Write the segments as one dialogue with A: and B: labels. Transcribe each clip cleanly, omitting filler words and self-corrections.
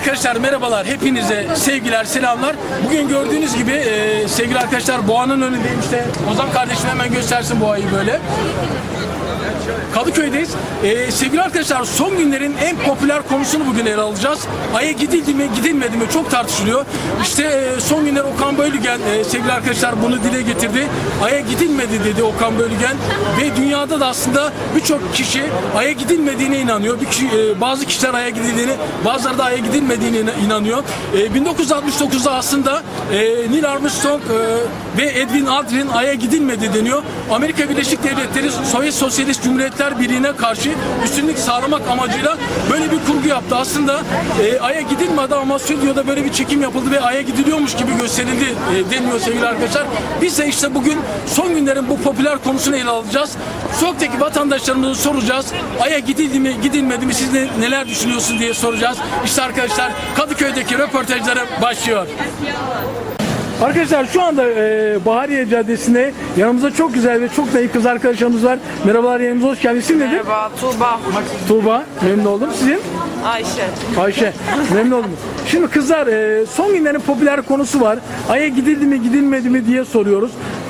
A: Arkadaşlar merhabalar, hepinize sevgiler, selamlar. Bugün gördüğünüz gibi sevgili arkadaşlar Boğa'nın önündeyim. İşte Ozan kardeşim hemen göstersin Boğa'yı böyle. Kadıköy'deyiz. Sevgili arkadaşlar, son günlerin en popüler konusunu bugün ele alacağız. Ay'a gidildi mi gidilmedi mi çok tartışılıyor. İşte son günler Okan Bölügen sevgili arkadaşlar bunu dile getirdi. Ay'a gidilmedi dedi Okan Bölügen ve dünyada da aslında birçok kişi Ay'a gidilmediğine inanıyor. Bazı kişiler Ay'a gidildiğini, bazıları da Ay'a gidilmediğine inanıyor. 1969'da aslında Neil Armstrong ve Edwin Aldrin Ay'a gidilmedi deniyor. Amerika Birleşik Devletleri Sovyet Sosyalist Cumhuriyetler Birliği'ne karşı üstünlük sağlamak amacıyla böyle bir kurgu yaptı. Aslında Ay'a gidilmedi ama stüdyoda böyle bir çekim yapıldı ve Ay'a gidiliyormuş gibi gösterildi deniyor sevgili arkadaşlar. Biz de işte bugün son günlerin bu popüler konusunu ele alacağız. Sokaktaki vatandaşlarımıza soracağız. Ay'a gidildi mi gidilmedi mi, siz neler düşünüyorsunuz diye soracağız. İşte arkadaşlar Kadıköy'deki röportajları başlıyor. Arkadaşlar şu anda Bahariye Caddesi'nde yanımızda çok güzel ve çok naif kız arkadaşlarımız var. Merhabalar, yanımıza hoş geldiniz. İsim nedir?
B: Merhaba, Tuğba.
A: Tuğba, memnun oldum. Sizin?
B: Ayşe.
A: Ayşe, memnun oldum. Şimdi kızlar, son günlerin popüler konusu var. Ay'a gidildi mi gidilmedi mi diye soruyoruz.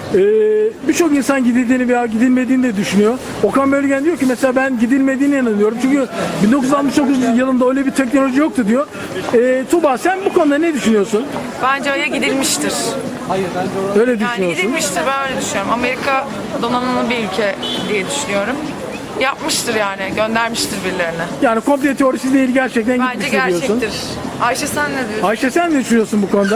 A: Birçok insan gidildiğini veya gidilmediğini de düşünüyor. Okan Bölügen diyor ki mesela ben gidilmediğine inanıyorum. Çünkü 1969 yılında öyle bir teknoloji yoktu diyor. Tuğba, sen bu konuda ne düşünüyorsun?
B: Bence Ay'a gidilmiştir.
A: Öyle
B: Yani
A: düşünüyorsun.
B: gidilmiştir, ben öyle düşünüyorum. Amerika donanımlı bir ülke diye düşünüyorum. Yapmıştır yani, göndermiştir birilerine.
A: Yani komple teorisi değil, gerçekten
B: Bence
A: gitmiştir diyorsun.
B: gerçektir. Ayşe sen ne diyorsun?
A: Ayşe, sen ne düşünüyorsun bu konuda?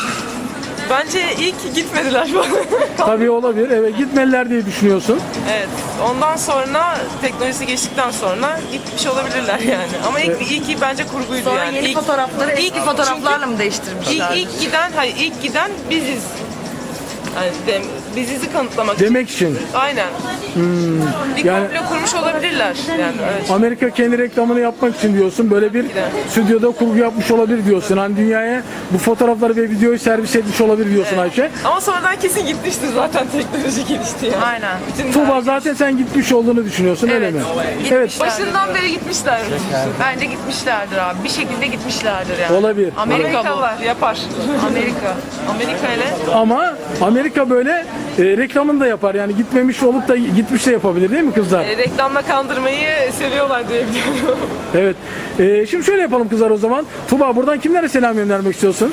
B: Bence ilk gitmediler falan.
A: Tabii olabilir. Evet, gitmeliler diye düşünüyorsun.
B: Evet. Ondan sonra teknolojisi geçtikten sonra gitmiş olabilirler yani. Ama ilk bence kurguydu
C: Sonra
B: yani.
C: yeni fotoğrafları eski fotoğraflarla mı değiştirmişler?
B: İlk giden biziz. Yani bizizi kanıtlamak
A: Demek için.
B: Aynen. Bir
A: yani-
B: komplo kurmuş olabilirler. Yani evet.
A: Amerika kendi reklamını yapmak için diyorsun. Böyle bir stüdyoda kurgu yapmış olabilir diyorsun. Hani dünyaya bu fotoğrafları ve videoyu servis etmiş olabilir diyorsun Ayşe.
B: Ama sonradan kesin gitmiştir zaten, teknoloji gelişti yani. Aynen.
A: Tuğba, zaten sen gitmiş olduğunu düşünüyorsun, öyle mi? Evet.
B: Başından beri gitmişler. Bence gitmişlerdir abi. Bir şekilde gitmişlerdir yani.
A: Olabilir.
B: Amerikalılar yapar. Amerika ile.
A: Ama Amerika böyle reklamını da yapar. Yani gitmemiş olup da gitmiş de yapabilir değil mi kızlar?
B: Reklamla kandırmayı seviyorlar diye biliyorum.
A: Evet. Şimdi şöyle yapalım kızlar o zaman. Tuğba, buradan kimlere selam göndermek istiyorsun?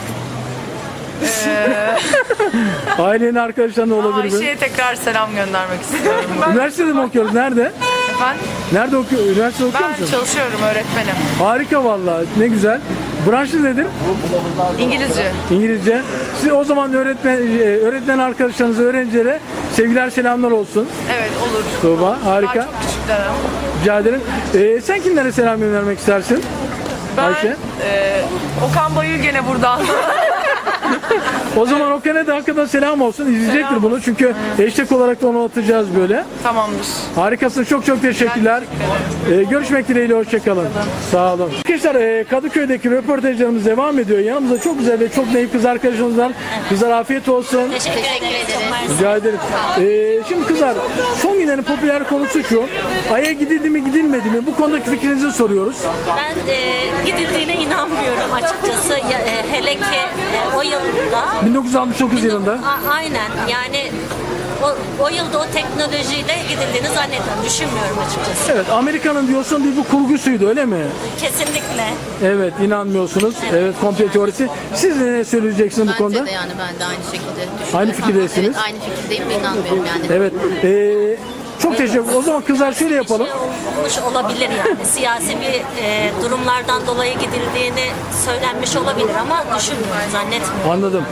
A: Ailenin, arkadaşlarına olabilir mi?
B: Ayşe'ye tekrar selam göndermek istiyorum.
A: Üniversitede mi okuyoruz? Nerede?
B: Efendim?
A: Nerede okuyor? Üniversite okuyor
B: Ben
A: musun?
B: çalışıyorum, öğretmenim.
A: Harika vallahi. Ne güzel. Branşı nedir?
B: İngilizce.
A: İngilizce. Siz o zaman öğretmen arkadaşlarınıza, öğrencilere sevgiler, selamlar olsun.
B: Evet, olur.
A: Tuğba, harika.
B: Daha çok küçükler ama.
A: Rica ederim. Sen kimlere selam göndermek istersin?
B: Ben
A: Ayşe.
B: Okan Bayülgen'e buradan.
A: O zaman Okan'a da hakikaten selam olsun. İzleyecektir
B: Selam
A: bunu. Çünkü hashtag olarak da onu atacağız böyle.
B: Tamamdır.
A: Harikasın. Çok çok teşekkürler. Görüşmek dileğiyle. Hoşçakalın. Sağ olun. Arkadaşlar, Kadıköy'deki röportajlarımız devam ediyor. Yanımızda çok güzel ve çok naif kız arkadaşımız var. Kızlar, afiyet olsun.
C: Teşekkür ederiz.
A: Rica ederim. Şimdi kızlar, son günlerin popüler konusu şu. Ay'a gidildi mi gidilmedi mi? Bu konudaki fikrinizi soruyoruz.
C: Ben gidildiğine inanmıyorum açıkçası. Hele ki o yılda.
A: 1969 yılında.
C: Aynen yani o yılda o teknolojiyle gidildiğini zannetmiyorum. Düşünmüyorum açıkçası.
A: Evet, Amerika'nın diyorsun bir bu kurgusuydu, öyle mi?
C: Kesinlikle.
A: Evet, inanmıyorsunuz. Evet, komple teorisi. Siz ne söyleyeceksiniz bu konuda?
D: Bence de yani ben de aynı şekilde düşünüyorum.
A: Aynı fikirdesiniz.
D: Evet, aynı fikirdeyim ve inanmıyorum yani.
A: Evet. Çok teşekkür. O zaman kızlar şöyle yapalım.
C: Olmuş olabilir yani. Siyasi bir durumlardan dolayı gidildiğini söylenmiş olabilir ama düşünmüyorum, zannetmiyorum.
A: Anladım.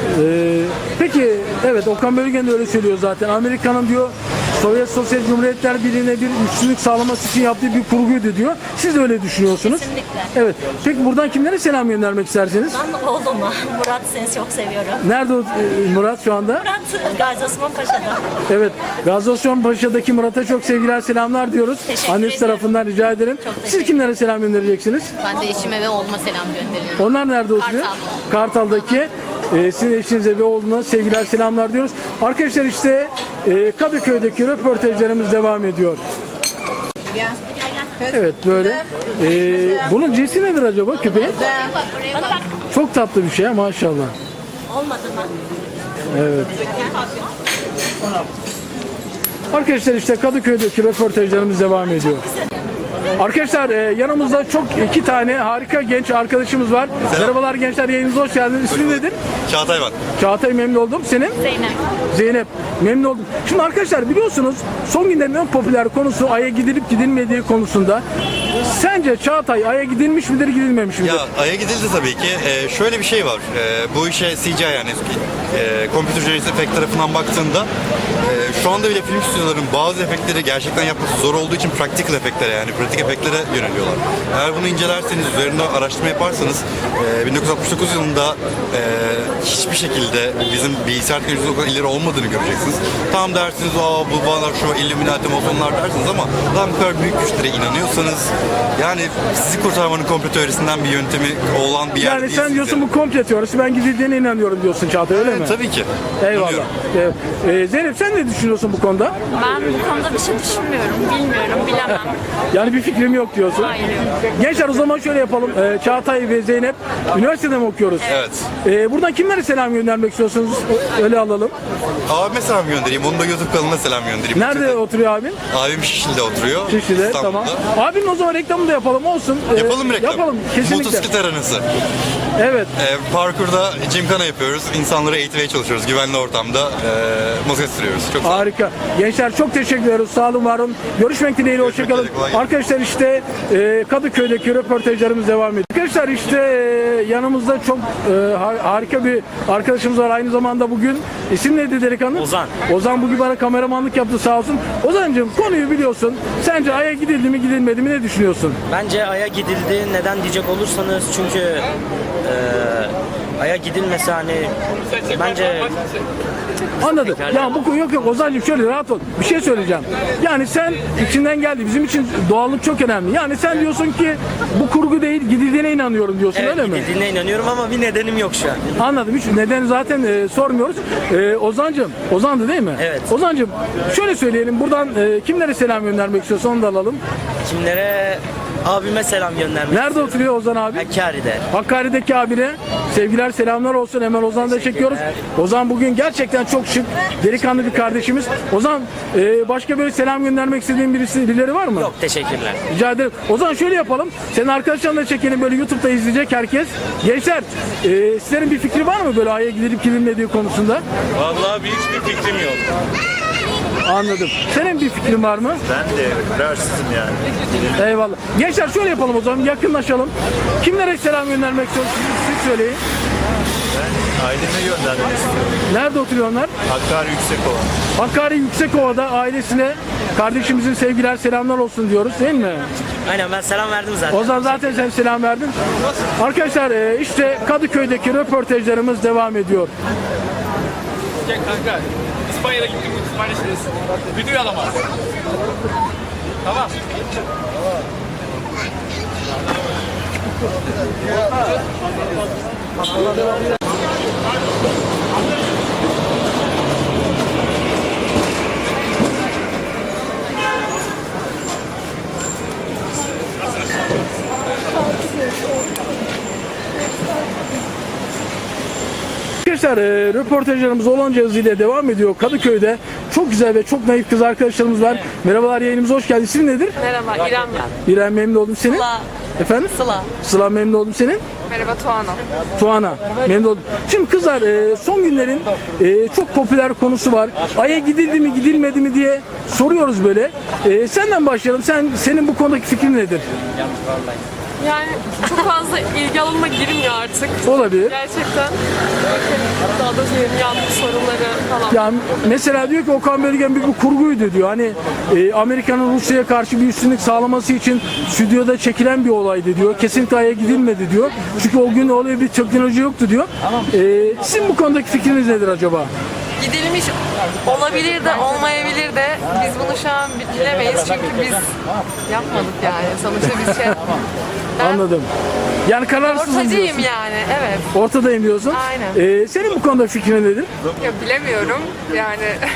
A: Peki, evet, Okan Bölügen de öyle söylüyor zaten. Amerika'nın diyor Sovyet Sosyalist Cumhuriyetler Birliği'ne bir üstünlük sağlaması için yaptığı bir kurguydu diyor. Siz de öyle düşünüyorsunuz.
C: Kesinlikle.
A: Evet. Peki buradan kimlere selam göndermek istersiniz?
C: Ben oğluma, Murat, seni çok seviyorum.
A: Nerede o, Murat şu anda?
C: Murat, Gazi Osman Paşa'da.
A: Evet. Gazi Osman Paşa'daki Murat'a çok sevgiler, selamlar diyoruz.
C: Teşekkür
A: Annesi
C: ederim.
A: tarafından rica ederim. Siz kimlere selam göndereceksiniz?
D: Ben de eşime ve oğluma selam gönderiyorum.
A: Onlar nerede oturuyor? Kartal'daki. Sizin eşinize ve oğluna sevgiler, selamlar diyoruz. Arkadaşlar işte Kadıköy'deki röportajlarımız devam ediyor. Evet böyle. Bunun cinsi nedir acaba köpeğin? Çok tatlı bir şey maşallah.
C: Olmadı mı?
A: Evet. Arkadaşlar işte Kadıköy'deki röportajlarımız devam ediyor. Arkadaşlar yanımızda çok iki tane harika genç arkadaşımız var. Merhabalar gençler, yayınımıza hoş geldiniz. İsmin nedir?
E: Çağatay ben.
A: Çağatay, memnun oldum. Senin?
C: Zeynep.
A: Zeynep, memnun oldum. Şimdi arkadaşlar biliyorsunuz son günlerin en popüler konusu Ay'a gidilip gidilmediği konusunda. Sence Çağatay Ay'a gidilmiş midir, gidilmemiş midir?
E: Ya Ay'a gidildi tabii ki. Şöyle bir şey var. Bu işe CGI yani Computer Generated Effect tarafından baktığında şu anda bile film stüdyolarının bazı efektleri gerçekten yapması zor olduğu için practical efektlere yani pratik efektlere yöneliyorlar. Eğer bunu incelerseniz, üzerinde araştırma yaparsanız 1969 yılında hiçbir şekilde bizim bilgisayar teknolojisinin o kadar ileri olmadığını göreceksiniz. Tam dersiniz bu bana şu Illuminati masonlar dersiniz ama lan bu kadar büyük güçlere inanıyorsanız yani sizi kurtarmanın komplo teorisinden bir yöntemi olan bir yer
A: Yani
E: değil
A: sen
E: sizce.
A: diyorsun bu komple teorisi, ben gidildiğine inanıyorum diyorsun Çağatay, öyle mi?
E: Tabii ki.
A: Eyvallah.
E: İnanıyorum.
A: Zeynep sen ne düşünüyorsun bu konuda?
F: Ben bu konuda bir şey düşünmüyorum, bilmiyorum, bilemem.
A: Yani bir fikrim yok diyorsun.
F: Hayır, yok.
A: Gençler o zaman şöyle yapalım. Çağatay ve Zeynep üniversitede mi okuyoruz?
E: Evet.
A: Buradan kimlere selam göndermek istiyorsunuz? Öyle alalım.
E: Abime selam göndereyim. Onun da YouTube kanalına selam göndereyim.
A: Nerede oturuyor abin?
E: Abim Şişli'de oturuyor.
A: Şişli'de,
E: İstanbul'da.
A: tamam. Abinin o zaman reklamını da yapalım, olsun.
E: Yapalım reklam.
A: Yapalım, kesinlikle.
E: Motosiklet aranası.
A: Evet.
E: Parkurda gymkhana yapıyoruz. İnsanları eğitmeye çalışıyoruz. Güvenli ortamda motosiklet sürüyoruz. Çok sağ olun.
A: Harika. Gençler çok teşekkür ediyoruz. Sağ olun, var olun. Görüşmek dileğiyle, hoşçakalın.
E: üzere, kolay gelsin.
A: Arkadaşlar işte Kadıköy'deki röportajlarımız devam ediyor. Arkadaşlar işte yanımızda çok harika bir arkadaşımız var. Aynı zamanda bugün isim neydi delikanlı?
G: Ozan.
A: Ozan bugün bana kameramanlık yaptı, sağ olsun. Ozan'cığım konuyu biliyorsun. Sence Ay'a gidildi mi gidilmedi mi, ne düşünüyorsun?
G: Bence Ay'a gidildi. Neden diyecek olursanız çünkü Ay'a gidilmesi hani bence
A: Anladım. Ya bu yok Ozan'cığım şöyle rahat ol. Bir şey söyleyeceğim. Yani sen içinden geldi. Bizim için doğallık çok önemli. Yani sen diyorsun ki bu kurgu değil, gidildiğine inanıyorum diyorsun,
G: evet,
A: öyle mi?
G: gidildiğine inanıyorum ama bir nedenim yok şu an.
A: Anladım. Hiç nedeni zaten sormuyoruz. Ozan'cığım, Ozan'dı değil mi?
G: Evet.
A: Ozan'cığım şöyle söyleyelim. Buradan kimlere selam göndermek istiyorsan onu da alalım.
G: Kimlere? Abime selam göndermek.
A: Nerede oturuyor Ozan abi?
G: Hakkari'de.
A: Hakkari'deki abine sevgiler, selamlar olsun. Hemen Ozan'ı da çekiyoruz. Ozan bugün gerçekten çok şık, delikanlı bir kardeşimiz. Ozan başka böyle selam göndermek istediğin birileri var mı?
G: Yok, teşekkürler.
A: Rica ederim. O zaman şöyle yapalım. Senin arkadaşlarını da çekelim, böyle YouTube'da izleyecek herkes. Gençler sizlerin bir fikri var mı böyle Ay'a gidilip gidilmediği konusunda?
H: Vallahi hiçbir fikrim yok.
A: Anladım. Senin bir fikrin var mı?
H: Ben de kararsızım yani.
A: Eyvallah. Gençler şöyle yapalım o zaman, yakınlaşalım. Kimlere selam göndermek istiyorsunuz? Siz söyleyin.
H: Ben aileme göndermek istiyorum.
A: Nerede oturuyor onlar?
H: Hakkari Yüksekova.
A: Hakkari Yüksekova'da ailesine, kardeşimizin sevgiler, selamlar olsun diyoruz değil mi?
G: Aynen, ben selam verdim zaten.
A: O zaman zaten sen selam verdin. Arkadaşlar işte Kadıköy'deki röportajlarımız devam ediyor.
I: Kanka, İspanya'da gittim, İspanya'dayız. Videoyu alamaz. Tamam.
A: Arkadaşlar röportajlarımız olanca hızıyla devam ediyor. Kadıköy'de çok güzel ve çok naif kız arkadaşlarımız var. Merhabalar, yayınımıza hoş geldiniz. İsim nedir?
B: Merhaba, İrem ben.
A: İrem, memnun oldum. Senin?
B: Sıla.
A: Efendim?
B: Sıla.
A: Sıla, memnun oldum. Senin?
B: Merhaba, Tuana.
A: Tuana, memnun oldum. Şimdi kızlar son günlerin çok popüler konusu var. Ay'a gidildi mi gidilmedi mi diye soruyoruz böyle. Senden başlayalım. Senin bu konudaki fikrin nedir?
B: Yani çok fazla ilgi alanıma girmiyor artık.
A: Olabilir.
B: Gerçekten. Daha da yanlış sorunları falan.
A: Ya mesela diyor ki Okan Bölgen bir kurguydu diyor. Hani Amerika'nın Rusya'ya karşı bir üstünlük sağlaması için stüdyoda çekilen bir olaydı diyor. Kesinlikle Ay'a gidilmedi diyor. Çünkü o gün öyle bir teknoloji yoktu diyor. Sizin bu konudaki fikriniz nedir acaba?
B: Gidilmiş olabilir de olmayabilir de biz bunu şu an bilemeyiz çünkü biz yapmadık yani. Sonuçta biz Ben
A: Anladım. Yani kararsızım
B: ortacıyım
A: diyorsun.
B: yani, evet.
A: Ortadayım diyorsun.
B: Aynen.
A: Senin bu konuda fikrin nedir?
B: Ya bilemiyorum yani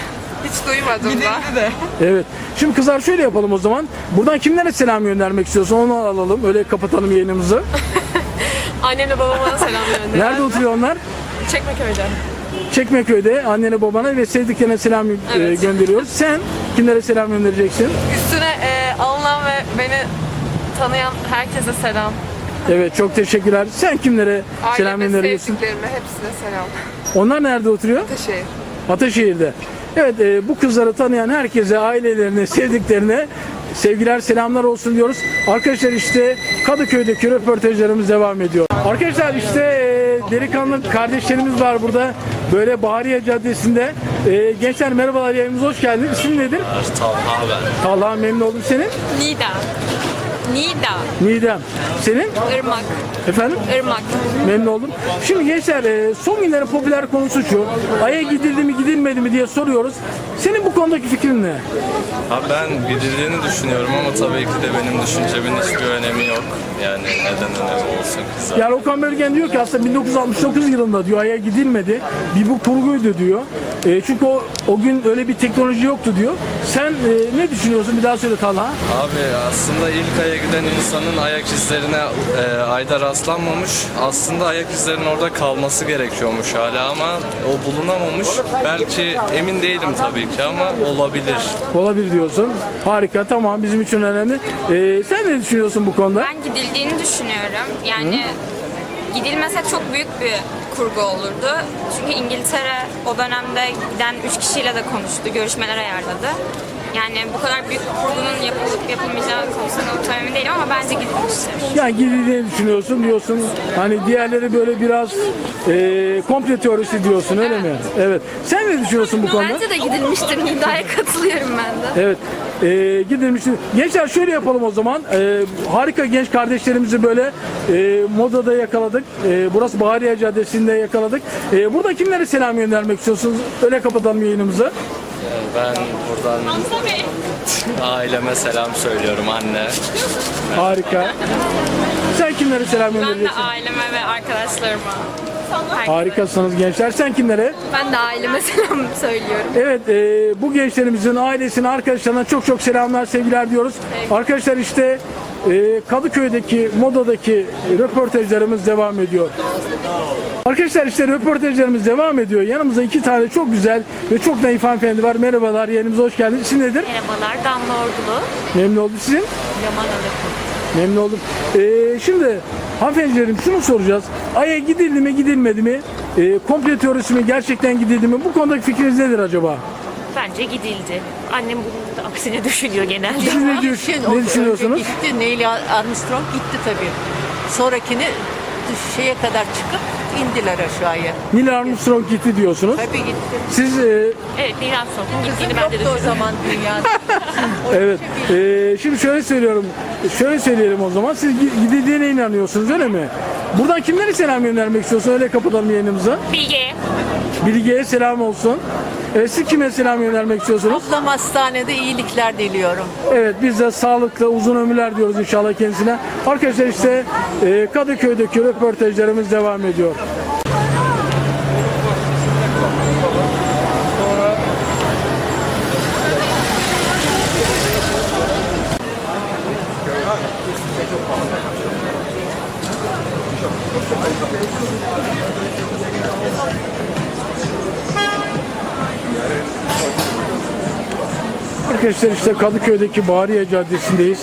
B: Hiç duymadım da.
A: Evet. Şimdi kızlar şöyle yapalım o zaman. Buradan kimlere selam göndermek istiyorsun onu alalım. Öyle kapatalım yayınımızı.
B: Annemle babama da selam gönderiyorum.
A: Nerede oturuyor onlar?
B: Çekmeköy'de.
A: Çekmeköy'de annene babana ve sevdiklerine selam
B: Evet.
A: gönderiyoruz. Sen kimlere selam göndereceksin?
B: Üstüne alınan ve beni tanıyan herkese selam.
A: Evet çok teşekkürler. Sen kimlere selam
B: Aileme,
A: gönderiyorsun?
B: sevdiklerime hepsine selam.
A: Onlar nerede oturuyor?
B: Teşekkür.
A: Ataşehir'de. Evet bu kızları tanıyan herkese, ailelerine, sevdiklerine sevgiler, selamlar olsun diyoruz. Arkadaşlar işte Kadıköy'deki röportajlarımız devam ediyor. Arkadaşlar işte delikanlı kardeşlerimiz var burada. Böyle Bahariye Caddesi'nde. Gençler merhabalar, yayınımıza hoş geldiniz. İsim nedir?
H: Talha ben.
A: Talha, memnun oldum. Senin?
F: Nida.
A: Nidem. Senin?
F: Irmak.
A: Efendim?
F: Irmak.
A: Memnun oldum. Şimdi gençler son günlerin popüler konusu şu. Ay'a gidildi mi gidilmedi mi diye soruyoruz. Senin bu konudaki fikrin ne?
J: Abi ben gidildiğini düşünüyorum ama tabii ki de benim düşüncemin hiçbir önemi yok. Yani neden önemi olsun ki zaten.
A: Yani Okan Bölgen diyor ki aslında 1969 yılında diyor Ay'a gidilmedi. Bir bu kurguydu diyor. Çünkü o gün öyle bir teknoloji yoktu diyor. Sen ne düşünüyorsun? Bir daha söyle Talha.
J: Abi aslında ilk Ay'a giden insanın ayak izlerine Ay'da rastlanmamış. Aslında ayak izlerinin orada kalması gerekiyormuş hala ama o bulunamamış. Belki emin değilim tabii ki ama olabilir.
A: Olabilir diyorsun. Harika, tamam, bizim için önemli. Sen ne düşünüyorsun bu konuda?
F: Ben gidildiğini düşünüyorum. Yani gidilmese çok büyük bir kurgu olurdu. Çünkü İngiltere o dönemde giden 3 kişiyle de konuştu, görüşmeler ayarladı. Yani bu kadar büyük bir kurgunun yapılıp yapılmayacağı konusunda çok emin değilim ama bence gidilmiştir.
A: Yani gidildiğini düşünüyorsun diyorsun. Hani diğerleri böyle biraz komple teorisi diyorsun, öyle mi? Evet. Sen ne düşünüyorsun bu konuda?
F: Bence de gidilmiştir. Nida'ya katılıyorum ben de.
A: Evet. Gidilmişti. Gençler şöyle yapalım o zaman. Harika genç kardeşlerimizi böyle modada yakaladık. Burası Bahariye Caddesi'nde yakaladık. Burada kimlere selam göndermek istiyorsunuz? Öyle kapatalım yayınımızı.
J: Ben buradan aileme selam söylüyorum, anne.
A: Harika. Sen kimlere selam
F: Ben de
A: göndereceksin?
F: aileme ve arkadaşlarıma.
A: Harikasınız gençler. Sen kimlere?
F: Ben de aileme selam söylüyorum.
A: Evet, bu gençlerimizin ailesine, arkadaşlarına çok çok selamlar, sevgiler diyoruz. Arkadaşlar işte Kadıköy'deki, modadaki röportajlarımız devam ediyor. Arkadaşlar işte röportajlarımız devam ediyor. Yanımızda iki tane çok güzel ve çok naif hanımefendi var. Merhabalar, yayınımıza hoş geldiniz. İsim nedir?
F: Merhabalar, Damla Ordulu.
A: Memnun oldum. Sizin?
F: Yaman Arapı.
A: Memnun oldum. Şimdi hanımefendilerim şunu soracağız. Ay'a gidildi mi, gidilmedi mi? Komple teorisi mi, gerçekten gidildi mi? Bu konudaki fikriniz nedir acaba?
K: Bence gidildi. Annem bunun da aksine düşünüyor genelde.
A: Siz ne düşünüyorsunuz?
D: Gitti. Neil Armstrong gitti tabii. Sonrakini şeye kadar çıkıp indiler aşağıya.
A: Neil Armstrong gitti diyorsunuz.
D: Tabii gitti.
A: Siz
K: Evet, Neil Armstrong'un gittiğini ben de
D: Yoktu o
K: düşünüyorum.
D: zaman dünyada.
A: evet. Şimdi şöyle söylüyorum. Şöyle söyleyelim o zaman. Siz gidildiğine inanıyorsunuz, öyle mi? Buradan kimlere selam göndermek istiyorsun? Öyle kapatalım yayınımızı.
K: Bilge.
A: Bilge'ye selam olsun. Siz kime selam göndermek istiyorsunuz?
D: Ablam hastanede iyilikler diliyorum.
A: Evet, biz de sağlıklı uzun ömürler diyoruz inşallah kendisine. Arkadaşlar işte Kadıköy'deki röportajlarımız devam ediyor. Arkadaşlar işte Kadıköy'deki Bahariye Caddesi'ndeyiz.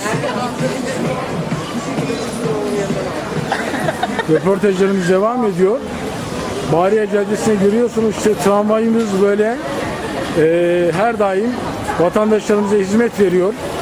A: Röportajlarımız devam ediyor. Bahariye Caddesi'ne görüyorsunuz işte tramvayımız böyle her daim vatandaşlarımıza hizmet veriyor.